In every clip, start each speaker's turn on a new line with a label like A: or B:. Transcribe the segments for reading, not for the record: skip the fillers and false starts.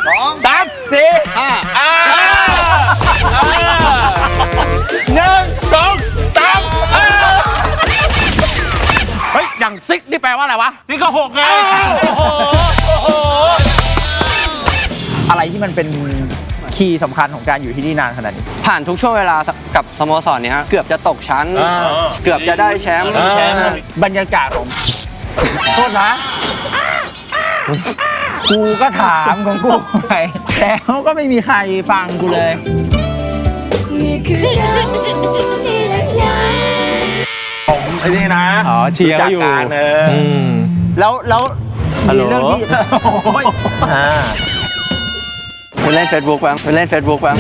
A: 2 3 4 5 1 2 3เฮ้ยอย่างซิกนี่แปลว่าอะไรวะ
B: ซิกก็6ไง
C: อะไรที่มันเป็นคีย์สำคัญของการอยู่ที่นี่นานขนาดนี้
D: ผ่านทุกช่วงเวลากับสโมสรเนี้ยเกือบจะตกชั้นเกือบจะได้แชมป์
C: บรรยากาศของโทษนะกูก็ถามของกูไปแล้วก็ไม่มีใครฟังกูเลย
E: นี่คือเรานี่แหละค่ะ
B: ผมไอ้นี่นะ
C: เชียร์อยู่แล้วมีเรื่องที่
D: ไปเล่น Facebook บ้างไปเล่น Facebook บ้าง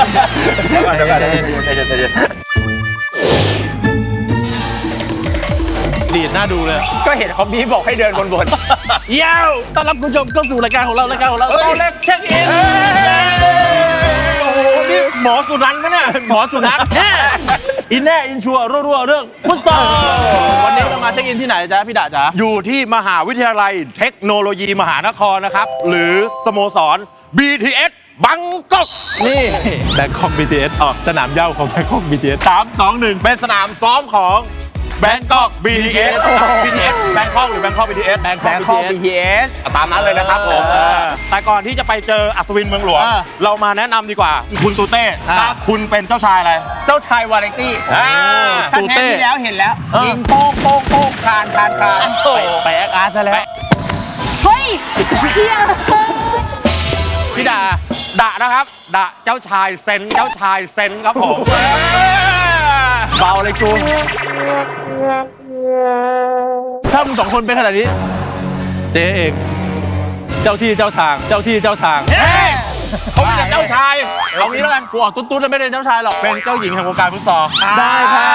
B: ดีดน่าดูเลย
C: ก็เห็นคอมบี้บอกให้เดินบน
B: เย้าต้อนรับคุณผู้ชมเข้าสู่รายการของเราโต๊ะเล็กเช็คอินโอ้โหนี่หมอสุนัขมั้ยเนี่ยหมอสุนัขอินแน่อินชัวรัวเรื่องฟุตซอลวันนี้เรามาเช็คอินที่ไหนจ๊ะพี่ดาจ๊ะ
A: อยู่ที่มหาวิทยาลัยเทคโนโลยีมหานครนะครับหรือสโมสร BTS บังกอก
B: นี่แบงคอก BTS สนามเหย้าของแบงคอก BTS 3 2 1
A: เป็นสนามซ้อมของแบงกอก BTS BTS แบงกอกหรือแบงกอก BTS
C: แบงคอก BTS
A: ตามนั้นเลยนะครับผมแต่ก่อนที่จะไปเจออัศวินเมืองหลวงเรามาแนะนำดีกว่าคุณตูเต้คุณเป็นเจ้าชายอะไร
C: เจ้าชายวาไรตี้
A: ตูเต้
C: ที่แล้วเห็นแล้วยิงโป๊กคานไปแอคอาร์ตซะแล้ว
E: เฮ้ยเฮีย
A: พี่ดานะครับดาเจ้าชายเซนครับผม
C: เบาเลยจู
B: ถ้ามึง2 คนเป็นขนาดนี้เจ๊เองเจ้าที่เจ้าทาง
A: เขาเป็นเจ้าชายเอางี้แล้วกัน
B: กูออกตุ๊ดแล้วไม่ได้เจ้าชายหรอก
A: เป็นเจ้าหญิงแห่งวงการฟุตซอล
B: ได้ค่ะ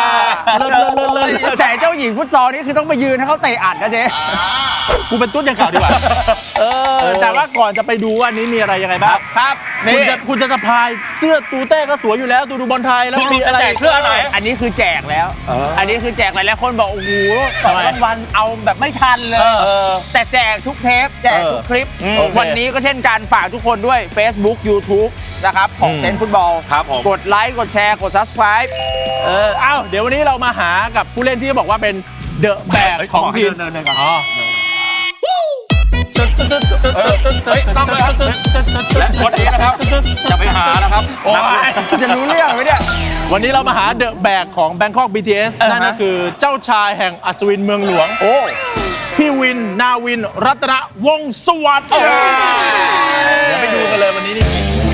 C: แต่เจ้าหญิงฟุตซอลนี่คือต้องไปยืนให้เขาเตะอัดนะเจ๊
B: กูเป็นตุ๊ดอย่างเก่าดีกว่าแต่ว่าก่อนจะไปดูว่านี้มีอะไรยังไงบ้าง
C: ครับ
B: คุณจะสะพายเสื้อตูเต้ก็สวยอยู่แล้วดูบอลไทยแล้วมีอะไร
A: เสื้ออะไร
C: อันนี้คือแจกแล้วอันนี้คือแจกหลายคนบอกโอ้โห2 รางวัลเอาแบบไม่ทันเลยแต่แจกทุกเทปแจกทุกคลิปวันนี้ก็เช่นกันฝากทุกคนด้วย Facebook YouTube นะครับของเซนฟุตบอลกดไลค์กดแชร์กด Subscribe
B: เดี๋ยววันนี้เรามาหากับผู้เล่นที่บอกว่าเป็นเดอะแบกของทีม
A: ต้องเลยครับและวันนี้นะครับจะไปหานะครับ
C: จะรู้เรื่องไหมเนี่ย
B: วันนี้เรามาหาเดอะแบกของ Bangkok BTS นั่นก็คือเจ้าชายแห่งอัศวินเมืองหลวงพี่วินนาวินรัตนวงศ์สวัสดิ์เดี๋ยวไปดูกันเลยวันนี้นี่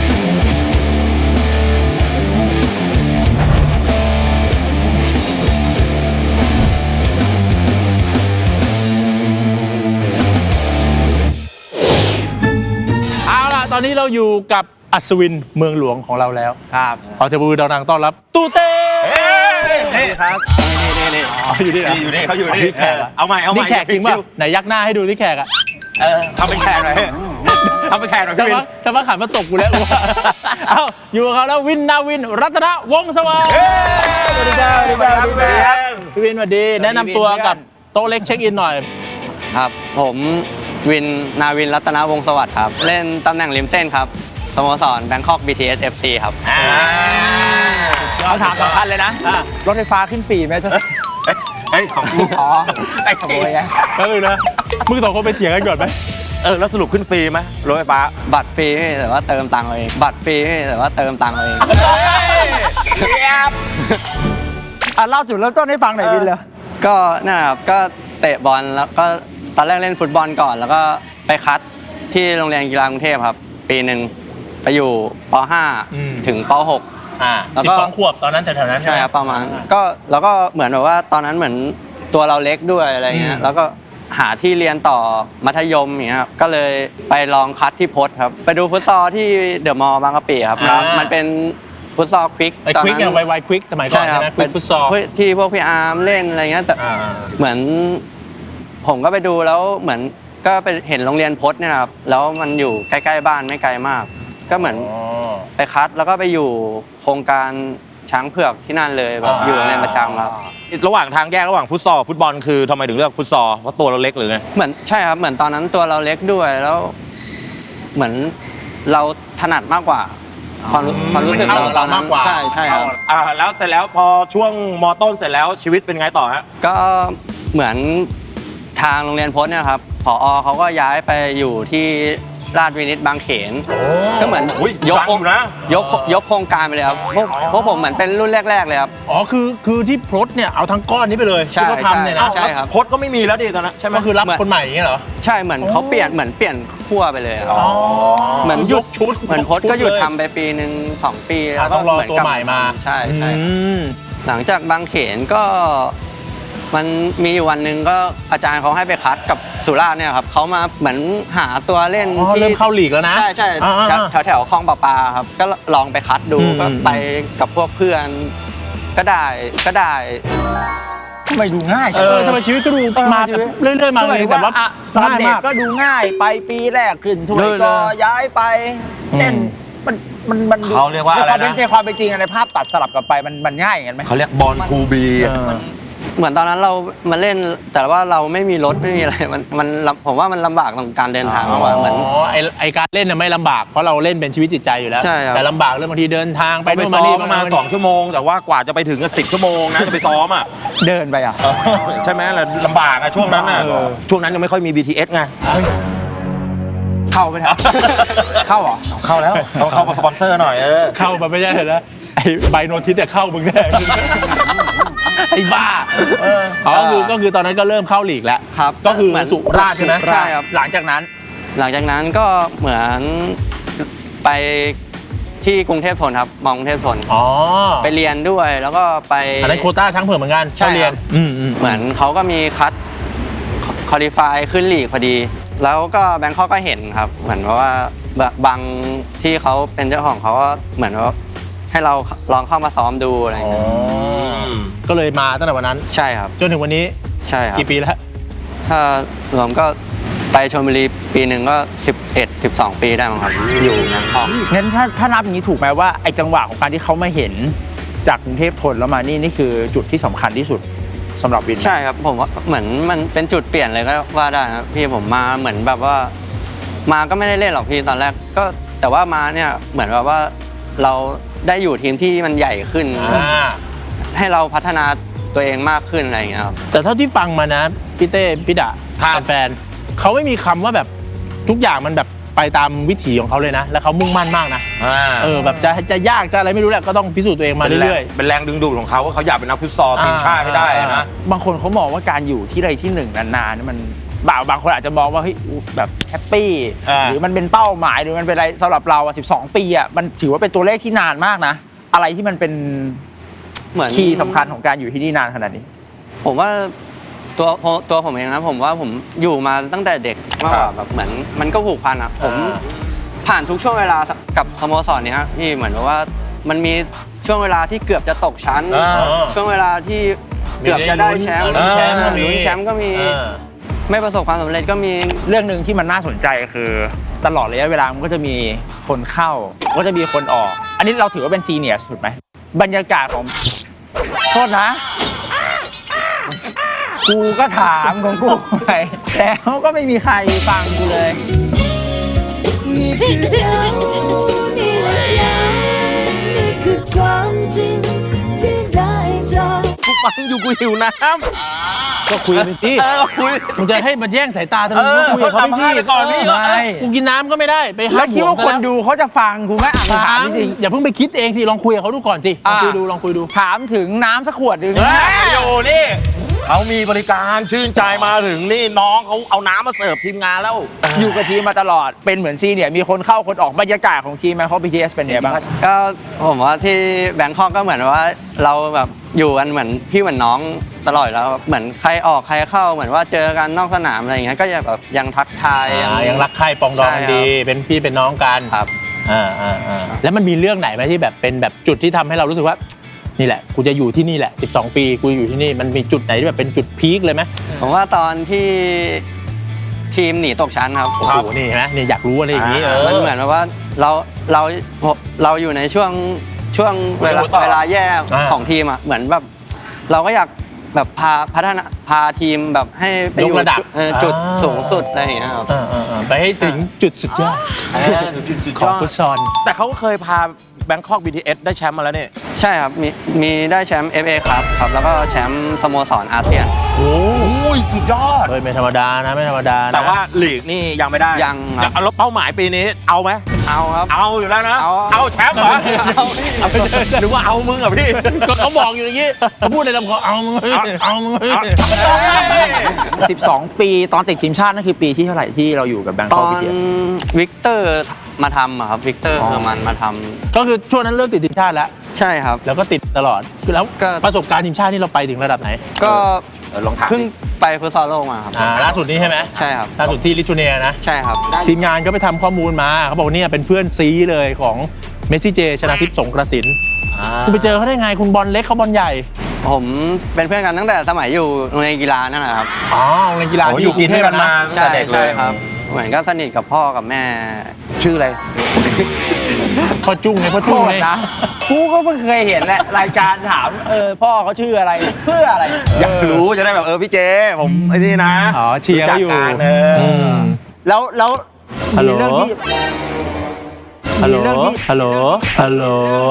B: ตอนนี้เราอยู่กับอัศวินเมืองหลวงของเราแล้ว
C: ครับ
B: ขอเสียงปรบมือดังๆต้อนรับตูเต้
A: นี่ครับนี่
B: อยู่นี่
A: เขาอยู่นี่เอาใหม่
B: นี่แขกจริงป่ะไหนยักหน้าให้ดูที่แขก
A: ทำเป็นแขกหน่อยทำเป็นแขกหน่อย
B: พี่วินจะมาขันมาตกกูแล้วอยู่กับเขาแล้ววินนาวินรัตนวงศ์สวัสดิ์
C: สวัสดีครับ
B: พี่วินสวัสดีแนะนำตัวกับโต๊ะเล็กเช็คอินหน่อย
D: ครับผมวินนาวินรัตนวงศ์สวัสดิ์ครับเล่นตำแหน่งริมเส้นครับสโมสร Bangkok BTS FC ครับ
C: เอาถามสำคัญเลยนะรถไฟฟ้าขึ้นฟรีไหมเธอ
A: ของกู
C: ไอ้ขโมยไง
B: นะมึง2 คนไปเถียงกันก่อนไหม
A: แล้วสรุปขึ้นฟรีไหมรถไฟฟ้า
D: บัตรฟรีแต่ว่าเติมตังค์เองบัตรฟรีแต่ว่าเติมตังค์เอง
C: เล่าจุดเริ่มต้นให้ฟังหน่อยวินเลย
D: ก็นะครับก็เตะบอลแล้วก็ตอนแรกเล่นฟุตบอลก่อนแล้วก็ไปคัดที่โรงเรียนกีฬากรุงเทพครับปีหนึ่งไปอยู่ป .5 ถึงป .6
B: 12 ขวบตอนนั้นแถวๆนั้น
D: ใช่ครับประมาณก็แล้วก็เหมือนแบบว่าตอนนั้นเหมือนตัวเราเล็กด้วยอะไรเงี้ยแล้วก็หาที่เรียนต่อมัธยมอย่างเงี้ยก็เลยไปลองคัดที่พจน์ครับไปดูฟุตซอลที่เดอะมอลล์บางกะปิครับมันเป็นฟุตซอลควิก
B: ตอนนั้นไวๆควิกสมัยก่อนใช่ไหมเป็นฟุตซอล
D: ที่พวกพี่อาร์มเล่นอะไรเงี้ยแต่เหมือนผมก็ไปดูแล้วเหมือนก็ไปเห็นโรงเรียนพจน์เนี่ยครับแล้วมันอยู่ใกล้ๆบ้านไม่ไกลมากก็เหมือนไปคัดแล้วก็ไปอยู่โครงการช้างเผือกที่นั่นเลยแบบอยู่ในประจำครับ
A: ระหว่างทางแยกระหว่างฟุตซอลฟุตบอลคือทำไมถึงเลือกฟุตซอลเพราะตัวเราเล็กหรือไง
D: เหมือนใช่ครับเหมือนตอนนั้นตัวเราเล็กด้วยแล้วเหมือนเราถนัดมากกว่าความรู้สึกเราตอนนั้นใช่ครับ
A: แล้วเสร็จแล้วพอช่วงมต้นเสร็จแล้วชีวิตเป็นไงต่อฮะ
D: ก็เหมือนทางโรงเรียนพจน์เนี่ยครับผอเขาก็ย้ายไปอยู่ที่ราชวินิตบางเขนก็เหมือน
A: อุ๊ย
D: ยก
A: ดังอยู่นะ
D: ยกโครงการไปเลยครับพวกผมเหมือนเป็นรุ่นแรกๆเลยครับ
B: อ๋อคือที่พลดเนี่ยเอาทั้งก้อนนี้ไปเลย
D: ใช่
B: ที่เขาทำเนี่ยนะ
D: ใช่ครับ
A: พจน์ก็ไม่มีแล้วดิตอนนั้นใช่ไหม
B: ก็คือรับคนใหม่อย่างเงี้ยเหรอ
D: ใช่เหมือนเขาเปลี่ยนขั้วไปเลยครับ
B: อ๋อ
D: เหมือนหยุด
B: ชุด
D: เหมือนพจน์ก็หยุดทำไปปีหนึ่ง2 ปีแล้วก็
B: ต้องรอ
D: เหมือน
B: ตัวใหม่มา
D: ใช่
B: อืม
D: หลังจากบางเขนก็มันมีอยู่วันหนึ่งก็อาจารย์เขาให้ไปคัดกับสุราษฎร์เนี่ยครับเขามาเหมือนหาตัวเล่น
B: อ๋อ
D: ที่
B: เริ่มเข้าลีกแล้วนะ
D: ใช่
B: อ่า
D: แถวคลองประปาครับก็ลองไปคัดดู
B: อืม
D: ก็ไปกับพวกเพื่อนก็ได้
C: ทำไมดูง่าย
B: ทำไมชีวิตก็ดูมาแบบเรื่อยๆมาเลยแต่ว่า
C: ตอนเด็ก
B: ง่ายมาก
C: ก็ดูง่ายไปปีแรกขึ้นถ้วย
B: เลย
C: ก็ย้ายไปเล่นมันดู
A: เขาเรียกว่าอะไรนะ
C: ในความเป็นจริงในภาพตัดสลับกลับไปมันง่ายอย่างนั้นไหม
A: เขาเรียกบอลคูบี
D: เหมือนตอนนั้นเรามาเล่นแต่ว่าเราไม่มีรถไม่มีอะไรมันผมว่ามันลำบากตรงการเดินทางมากกว่าเหมือน
B: ไอการเล่นเนี่ยไม่ลำบากเพราะเราเล่นเป็นชีวิตจิตใจอยู่แล้ว
D: ใช่ครับ
B: แต่ลำบากเรื่องบางทีเดินทางไป
A: ไป
B: นู่น
A: ซ้
B: มา
A: อ
B: นี่
A: มประมาณ2 ชั่วโมง แต่ว่ากว่าจะไปถึงก็10 ชั่วโมงนะจะไปซ้อมอ่ะ
C: เดินไปอ่ะ
A: ใช่ไหมล่ะลำบากอะช่วงนั้นอะช่วงนั้นยังไม่ค่อยมี BTS ไง
C: เข้าไปเถอะเข้าเหรอ
A: เข้าแล้วต้องเข้ากับสปอนเซอร์หน่อย
B: เข้ามาไม่ใช่เลยนะไอใบโนติสเนี่ยเข้ามึงแน่ ไอ้บ้าก็คือตอนนั้นก็เริ่มเข้าลีกแล้ว
D: ครับ
B: ก็คือ
D: เหมือน
B: สุราษฎร์ใช่ไหม
D: ใช่ครับ
C: หลังจากนั้น
D: หลังจากนั้นก็เหมือนไปที่กรุงเทพธนครับมองกรุงเทพธน
B: อ๋อ
D: ไปเรียนด้วยแล้วก็ไป
B: อันนั้นโควต้าช้างเผือกเหมือนกัน
D: ใช่
B: เข้าเรียน
D: ครับ
B: เห
D: เหมือนเขาก็มีคัดคอลี่ฟายขึ้นลีกพอดี แล้วก็แบงคอกก็เห็นครับ เหมือนว่าบางที่เขาเป็นเจ้าของเขาก็เหมือนว่าให้เราลองเข้ามาซ้อมดูอะไรอย่างเงี้ย
B: ก็เลยมาตั้งแต่วันนั้น
D: ใช่ครับ
B: จนถึงวันนี้
D: ใช่ครับ
B: กี่ปีแล้ว
D: ถ้ารวมก็ไปชลบุรีปีหนึ่งก็11-12 ปีได้มั้งครับอยู่แบงคอก
C: งั้นถ้านับอย่างนี้ถูกไหมว่าไอ้จังหวะของการที่เขามาเห็นจากกรุงเทพธนแล้วมานี่คือจุดที่สำคัญที่สุดสำหรับวินไหม
D: ใช่ครับผมว่าเหมือนมันเป็นจุดเปลี่ยนเลยก็ว่าได้นะพี่ผมมาเหมือนแบบว่ามาก็ไม่ได้เล่นหรอกพี่ตอนแรกก็แต่ว่ามาเนี่ยเหมือนแบบว่าเราได้อยู่ทีมที่มันใหญ่ขึ้น ให้เราพัฒนาตัวเองมากขึ้นอะไรอย่างเงี้ยครับ
B: แต่เท่าที่ฟังมานะพี่เต้พี่ดะ
A: ครับ
B: แฟนๆเขาไม่มีคำว่าแบบทุกอย่างมันแบบไปตามวิถีของเขาเลยนะ แล้วเขามุ่งมั่นมากนะแบบจะยากจะอะไรไม่รู้แหละก็ต้องพิสูจน์ตัวเองมาเรื่อย
A: เป็นแรงดึงดูดของเขาว่าเขาอยากเป็นนักฟุตซอลทีมชาติให้ได้นะ
C: บางคนเขามองว่าการอยู่ที่ใดที่หนึ่งนานๆนี่มันบางคนอาจจะมองว่าเฮ้ยแบบแฮปปี้หรือมันเป็นเป้าหมายหรือมันเป็นอะไรสำหรับเรา12 ปีอ่ะมันถือว่าเป็นตัวเลขที่นานมากนะอะไรที่มันเป็น
D: เหมือน
C: คีย์สำคัญของการอยู่ที่นี่นานขนาดนี้
D: ผมว่าตัวผมเองนะผมว่าผมอยู่มาตั้งแต่เด็กมากกว่าแบบเหมือนมันก็ผูกพันอ่ะผมผ่านทุกช่วงเวลากับสโมสรเนี้ยพี่เหมือนว่ามันมีช่วงเวลาที่เกือบจะตกชั้น ช่วงเวลาที่เกือบจะได้แชมป์
B: ลุ้นแชมป์ก็มี
D: ลุ้นแชมป์ก็มีไม่ประสบความสำเร็จก็มี
C: เรื่องหนึ่งที่มันน่าสนใจคือตลอดระยะเวลามันก็จะมีคนเข้าก็จะมีคนออก อันนี้เราถือว่าเป็นซีเนียร์ถูกไหมบรรยากาศของโทษนะกูก็ถามของกูไปแล้วก็ไม่มีใครฟังกูเลย
E: นี่คือเรานี่แหละเรานี่คือความจริงที่ได้เจอ
A: กูฟังอยู่กูหิวน้
B: ก็คุยไปสิ
A: ำคุย
B: มึงจะให้มาแย่งสายตาทำไมมึงก็คุยกับเขาไปสิ
A: ไปก่อนพี่
B: ไม่กูกินน้ำก็ไม่ได้ไปห้า
C: แล้ว
B: ม
C: คิดว่าคนดูเขาจะฟังกูไหมอ่ะ
B: ถา
C: ถาม
B: ม
C: จริง
B: อย่าเพิ่งไปคิดเองสิลองคุยกับเขาดูก่อนสิลองคุยดูลองคุยดู
C: ถามถึงน้ำสักขวดหนึ่ง
A: อยู่นี่เขามีบริการชื่นใจมาถึงนี่น้องเขาเอาน้ำมาเสิร์ฟทีมงานแล้ว
C: อยู่กับทีมมาตลอดเป็นเหมือนซีเนี่ยมีคนเข้าคนออกบรรยากาศของทีมแมนคอ BTS เป็นไงบ้าง
D: ก็ผมว่าที่แบงคอกก็เหมือนว่าเราแบบอยู่กันเหมือนพี่เหมือนน้องตลอดแล้วเหมือนใครออกใครเข้าเหมือนว่าเจอกันนอกสนามอะไรอย่างเงี้ยก็ยังแบบยังทักทาย
B: ยังรักใคร่ปองดองกันดี เป็นพี่เป็นน้องกัน
D: ครับ
B: แล้วมันมีเรื่องไหนไหมที่แบบเป็นแบบจุดที่ทำให้เรารู้สึกว่านี่แหละกูจะอยู่ที่นี่แหละ12 ปีกูอยู่ที่นี่มันมีจุดไหนที่แบบเป็นจุดพีคเลยไหม
D: ผมว่าตอนที่ทีมหนีตกชั้นครับ
B: โอ้โหนี่เห็นไหมนี่อยากรู้อะไรอย่างนี้
D: มันเหมือนว่าเราอยู่ในช่วงเวลาแย่ของทีมอ่ะเหมือนแบบเราก็อยากแบบพัฒนาพาทีมแบบให้ไปอยู่
B: ยกระดับ
D: จุดสูงสุดอะไรอย่างเงี้ยครับ
B: ไปให้ถึงจุดสุดยอดของฟุตซอล
A: แต่เขาก็เคยพาแบงคอก BTS ได้แชมป์มาแล้วนี่
D: ใช่ครับมีได้แชมป์ FA ครับแล้วก็แชมป์สโมสรอาเซียน
B: โอ้
A: ยสุดยอด
B: เฮ้ยไม่ธรรมดานะไม่ธรรมดานะ
A: แต่ว่าลีกนี่ยังไม่ได้
D: ยังครับ
A: แล้วเป้าหมายปีนี้เอาไหม
D: เอาครับ
A: เอาอยู่แล้วนะ
D: เอา
A: แชมป์เหรอหรือว่าเอามึงอ่ะพี่
B: ก็เขาบอกอยู่อย่างนี้เขาพูดในลำคอเอามึงเอามึง
C: 12 ปีตอนติดทีมชาตินั่นคือปีที่เท่าไหร่ที่เราอยู่กับแบง
D: ต
C: คอก
D: อน
C: บีทีเอส
D: วิกเตอร์มาทำอะครับวิกเตอร์เฮอร์มันมาทำ
B: ก็คือช่วงนั้นเริ่มติดทีมชาติแล้ว
D: ใช่ครับ
B: แล้วก็ติดตลอดคือแล้ว
D: ก็
B: ประสบการณ์ทีมชาตินี่เราไปถึงระดับไหน
D: ก็
A: ลองถาม
D: เพิ่งไปฟุตซอลโลกมาครับ
B: ล่าสุดนี้ใช่ไหม
D: ใช่ครับ
B: ล่าสุดที่ลิทัวเนียนะ
D: ใช่ครับ
B: ทีมงานก็ไปทำข้อมูลมาเขาบอกว่าเนี่ยเป็นเพื่อนซีเลยของเมสซี่เจชนะทิพย์สงกระสินคุณไปเจอเขาได้ไงคุณบอลเล็กเขาบอลใหญ่
D: ผมเป็นเพื่อนกันตั้งแต่สมัยอยู่โรงเรียนกีฬานั่นแหละครับ
B: อ๋อโรงเรียนกีฬา
A: โอ้
B: ที่
A: อยู่กินด้วยกันมา
B: ะ
D: ใช่
A: ตั้งแต่เด็กเลย
D: ใช่ครับ เหมือนก็สนิทกับพ่อกับแม่
A: ชื่ออะไร
B: พ่อจุ้งไงพ่อจุ้งไง
C: นะกูก็เพิ่งเคยเห็นแหละรายการถามพ่อเขาชื่ออะไรเพื่ออะไร
A: อยากรู้จะได้แบบพี่เจผมไอ้นี่นะ
B: อ๋อเชียร์เขาอยู่
A: รู้จักกันม
C: แล้ว
B: ฮัลโหล
C: มีเรื่องที่
B: ฮัลโหล
C: มีเรื่องที่
B: ฮัลโหลฮัลโหล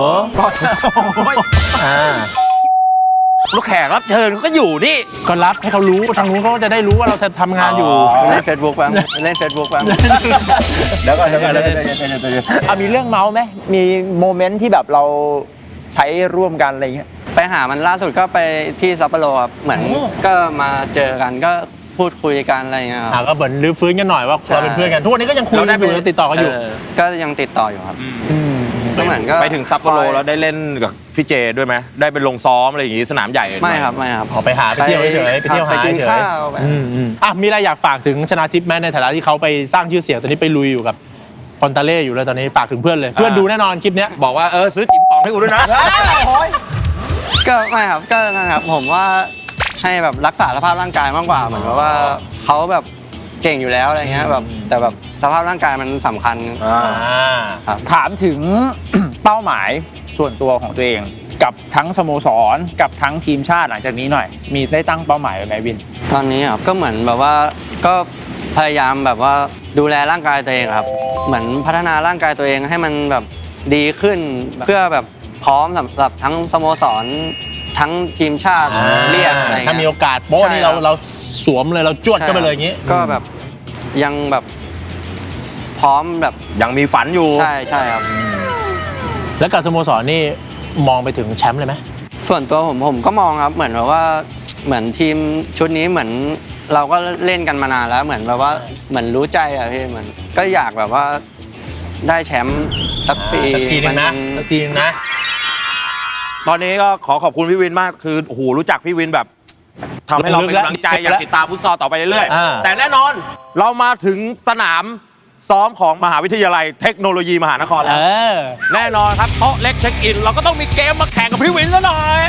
B: อ่า
A: ลูกแขกรับเชิญเขาก็อยู่นี่
B: ก็รับให้เขารู้ทางนู้นเขาจะได้รู้ว่าเราทำงานอยู่
D: เล่นเฟซบุ๊กบ้างเล่นเฟซบุ๊กบ้าง
A: เดี๋ยวก่อน
C: มีเรื่องเมาส์ไหมมีโมเมนต์ที่แบบเราใช้ร่วมกันอะไรเงี้ย
D: ไปหามันล่าสุดก็ไปที่ซัปโปโรครับเหมือนก็มาเจอกันก็พูดคุยกันอะไรอย่างเงี้ยครับ
B: ก็เหมือนรื้อฟื้นกันหน่อยว่าเราเป็นเพื่อนกันทุกวันนี้ก็ยังคุยกันอยู่ยังติดต่อกันอยู่
D: ก็ยังติดต่ออยู่ครับก็เหมือนก็
A: ไปถึงซัปโปโรแล้วได้เล่นกับพี่เจด้วยไหมได้ไปลงซ้อมอะไรอย่างงี้สนามใหญ่หน่อย
D: ไม่ครับไม่ครับ
B: ออกไปหาไปเที่ยวเฉยๆไปเที่ยว
D: ไป
B: หา
D: กิน
B: เฉย
D: ข้าวไป
B: มีอะไรอยากฝากถึงชนาทิพย์ไหมในฐานะที่เขาไปสร้างชื่อเสียงตอนนี้ไปลุยอยู่กับฟอนตาเล่อยู่เลยตอนนี้ฝากถึงเพื่อนเลยเพื่อนดูแน่นอนคลิปเนี้ย
A: บอกว่าซื้อจิ๋มป๋องให้กูด้วยนะ
D: ก็ไม่ครับก็นั่นครับผมว่าให้แบบรักษาสภาพร่างกายมากกว่าเหมือนกับว่าเขาแบบเก่งอยู่แล้วอะไรเงี้ยแบบแต่แบบสภาพร่างกายมันสำคัญ
C: ถามถึง เป้าหมายส่วนตัวของตัวเอง กับทั้งสโมสรกับทั้งทีมชาติหลังจากนี้หน่อย มีได้ตั้งเป้าหมายไว้ไหมวิน
D: ตอนนี้ครับก็เหมือนแบบว่าก็พยายามแบบว่าดูแลร่างกายตัวเองครับเหมือนพัฒนาร่างกายตัวเองให้มันแบบดีขึ้นเพื่อแบบพร้อมสำหรับทั้งสโมสรทั้งทีมชาติเรียกอะไรเงี้ย
B: ถ้ามีโอกาสโป๊ะนี่เราสวมเลยเราจวดก็ไปเลยอย่างงี้
D: ก็แบบยังแบบพร้อมแบบ
A: ยังมีฝันอยู่
D: ใช่ใช่ครับ
B: แล้วกับสโมสรนี่มองไปถึงแชมป์เลยไหม
D: ส่วนตัวผมก็มองครับเหมือนแบบว่าเหมือนทีมชุดนี้เหมือนเราก็เล่นกันมานานแล้วเหมือนแบบว่าเหมือนรู้ใจอะพี่เหมือนก็อยากแบบว่าได้แชมป์สักปี
B: สักทีนึงนะสักทีนึงนะ
A: ตอนนี้ก็ขอบคุณพี่วินมากคือโอ้โหรู้จักพี่วินแบบทำให้เราเป็นกำลังใจอยากติดตามฟุตซอลต่อไปเรื่อยๆแต่แน่นอนเรามาถึงสนามซ้อมของมหาวิทยาลัยเทคโนโลยีมหานครแล้วแน่นอนครับโต๊ะเล็กเช็คอินเราก็ต้องมีเกมมาแข่งกับพี่วินซะหน่อย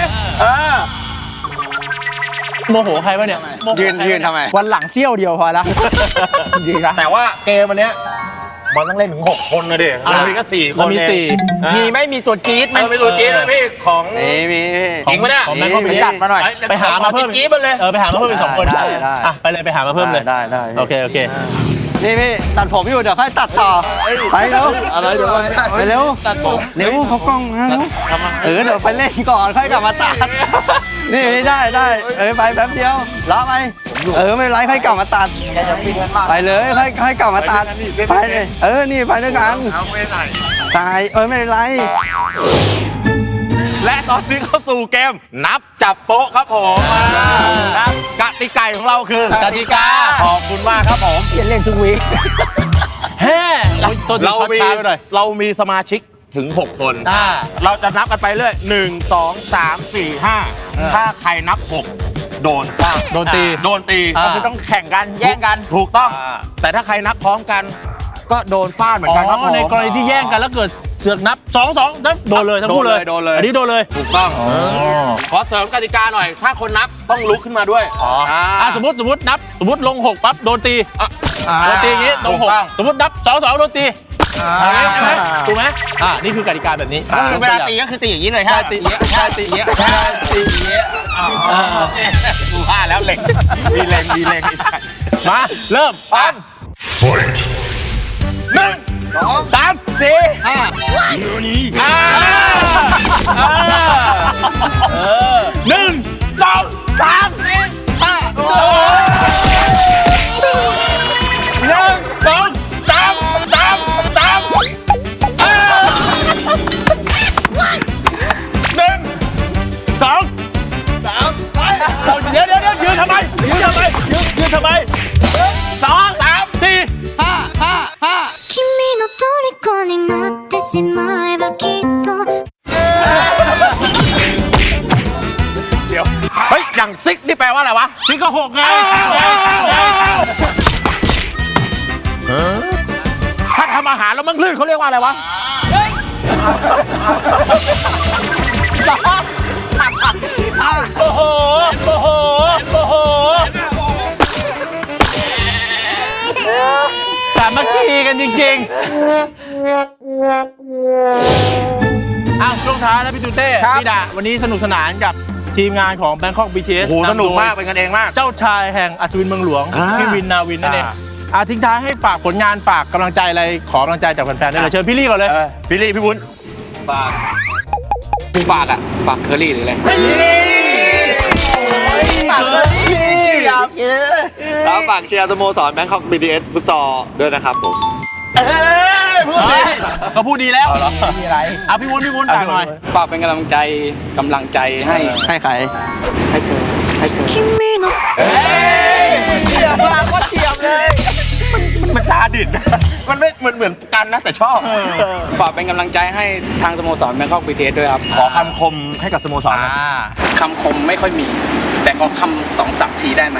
B: โมโหใครวะเนี่ย
D: ยืนทำไม
C: วันหลังเซี่ยวเดียวพอละ จริงๆนะ
A: แต่ว่าเกมวันเนี้ยมันต้องเล่นถึง6คนนะดิเรามีแค่4คน
B: เรามี
A: เอง
B: สี่
C: มีไม่มีตัวจี๊ดไหม
A: ไม่รู้จี๊ดไหมพี่ของ
D: มี
A: จริงปะเนี่ย
B: ของแบงค์ก็มี
C: จัดมาหน่อย
B: ไปหามาเพิ่ม
A: จี๊ดมันเลย
B: ไปหามาเพิ่มอีก2 คน
D: ได้
B: อ่ะไปเลยไปหามาเพิ่มเลย
D: ได้
B: โอเค
D: นี่พี่ตัดผมอยู่เดี๋ยวค่อยตัดต่อไปเร็วอะไรเดี๋ยวไปเร็วตัดผมเร็วเขากล้องนะเดี๋ยวไปเล่นก่อนค่อยกลับมาตัดนี่ได้ไปแป๊บเดียวรอไปไม่เป็นไรค่อยกลับมาตัดไปเลยค่อยกลับมาตัดไปเลยนี่ไปด้วยกันตายไม่เป็นไร
A: และตอนนี้เข้าสู่เกมนับจับโป๊ะครับผมกติกาของเราคือกติกาขอบคุณมากครับผม
C: เล่นทุกวีค
B: แฮ่ตัวที่
A: เรา
B: ช็อต
A: มี
B: ช้าไปหน่อย
A: เรามีสมาชิกถึง 6 คน เราจะนับกันไปเรื่อย1 2 3 4 5ถ้าใครนับ 6 โดนฟาด
B: โดนตี
C: ก็คือต้องแข่งกันแย่งกัน
A: ถูกต้อง แต่ถ้าใครนับพร้อมกัน ก็โดนฟาดเหมือนกันครับผม
B: ในกรณีที่แย่งกันแล้วเกิดเสือกนับ2นับโดนเลยทั้งคู่เลย
A: โดนเลย
B: อันนี้โดนเลย
A: ถูกต้องขอเสริมกติกาหน่อย ถ้าคนนับต้องลุกขึ้นมาด้วย
B: สมมตินับสมมติลง6ปั๊บโดนตีโดนตีอย่างงี้ลง
A: ถูกต้อง
B: 6สมมตินับ2โดนตีใช่ไหมถูกไหมนี่คือกติกาแบบนี้
C: เวลาตีก็คือตีอย่างนี้เลยฮะ
B: ใช่ตีอย่างเงี้ย
A: กูว่าแล้วเล็งมีเล็งไอ้สัส
B: มาเริ่มพร้อม
F: Fight!
B: 1 2 3 4 1 2 เดี๋ยวยืนทำไมยืนทำไม2 3 4
E: 君の虜になってしまえばきっと
A: เดี๋ยวเฮ้ยอย่างซิกนี่แปลว่าอะไรวะ
B: ซิกก็6ไง
A: ถ้าทำอาหารแล้วมันลื่นเขาเรียกว่าอะไรวะ
B: โอ้โหสามัคคีกันจริงๆอ้าวช่วงท้ายแล้วพี่ตูเต้
C: ครับ
B: พี่ดาวันนี้สนุกสนานกับทีมงานของ Bangkok BTS
A: โอ้โหสนุกมาก
B: ำโดย
A: เป็นกันเองมาก
B: เจ้าชายแห่งอัศวินเมืองหลวง
A: อ่า
B: พี่วินนาวินนั่นเอง
A: อ่า
B: ทิ้งท้ายให้ฝากผลงานฝากกำลังใจอะไรขอกำลังใจจากแฟนๆได้เลยเชิญพี่ลี่ก่อนเลย
A: พี่ลี่พี่วุ้น
C: ฝากเคอรี่หรืออะไร
G: แล้วฝากเชียร์สโมสร Bangkok BTS ฟุตซอลด้วยนะครับผม
B: ก็พูดดีแล้วมีอะไรพี่วุ้นฝากหน่อย
C: ฝากเป็นกำลังใจให้
D: ให้ใคร
E: 君の
A: มันซาดิสมันไม่เหมือนกันนะแต่ชอบ
C: ฝากเป็นกำลังใจให้ทางสโมสรแบงคอกบีทีเอสด้วยครับ
A: ขอคำคมให้กับสโมสรหน่อย
C: คำคมไม่ค่อยมี แต่ขอคำ2-3 ทีได้ไหม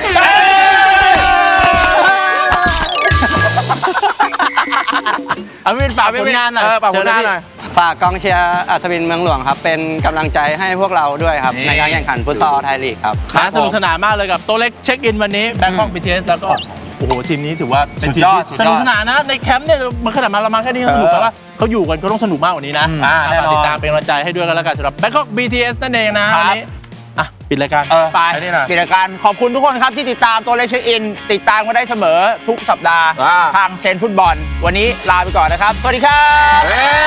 B: เอาพี่วินฝากผลงานหน่อย
A: ฝากผลงานหน่อย
D: ฝากกองเชียร์อัศวินเมืองหลวงครับ เป็นกำลังใจให้พวกเราด้วยครับ ในการแข่งขันฟุตซอลไทยลีกครับ
B: สนุกสนานมากเลยกับโต๊ะเล็กเช็คอินวันนี้ Bangkok BTS แล้วก็โอ้โหทีมนี้ถือว่าเป็นทีมที่
A: สุดยอด
B: สนุกสนานนะในแคมป์เนี่ยมันขนาดมาแค่นี้ก็สนุกแต่ว่าเขาอยู่กันเขาต้องสนุกมากกว่านี้นะ
A: แน่นอน
B: ติดตามเป็นกำลังใจให้ด้วยกันแล้วกันสำหรับ Bangkok BTS นั่นเองนะวันนี้ปิดรายการ
C: ไป
A: ไอ้นี่หน่อย
C: ปิดรายการขอบคุณทุกคนครับที่ติดตามตัวเลขเช็คอิน ติดตามกันได้เสมอทุกสัปดาห์ ทางเซนฟุตบอล วันนี้ลาไปก่อนนะครับ สวัสดีครับ
A: เฮ้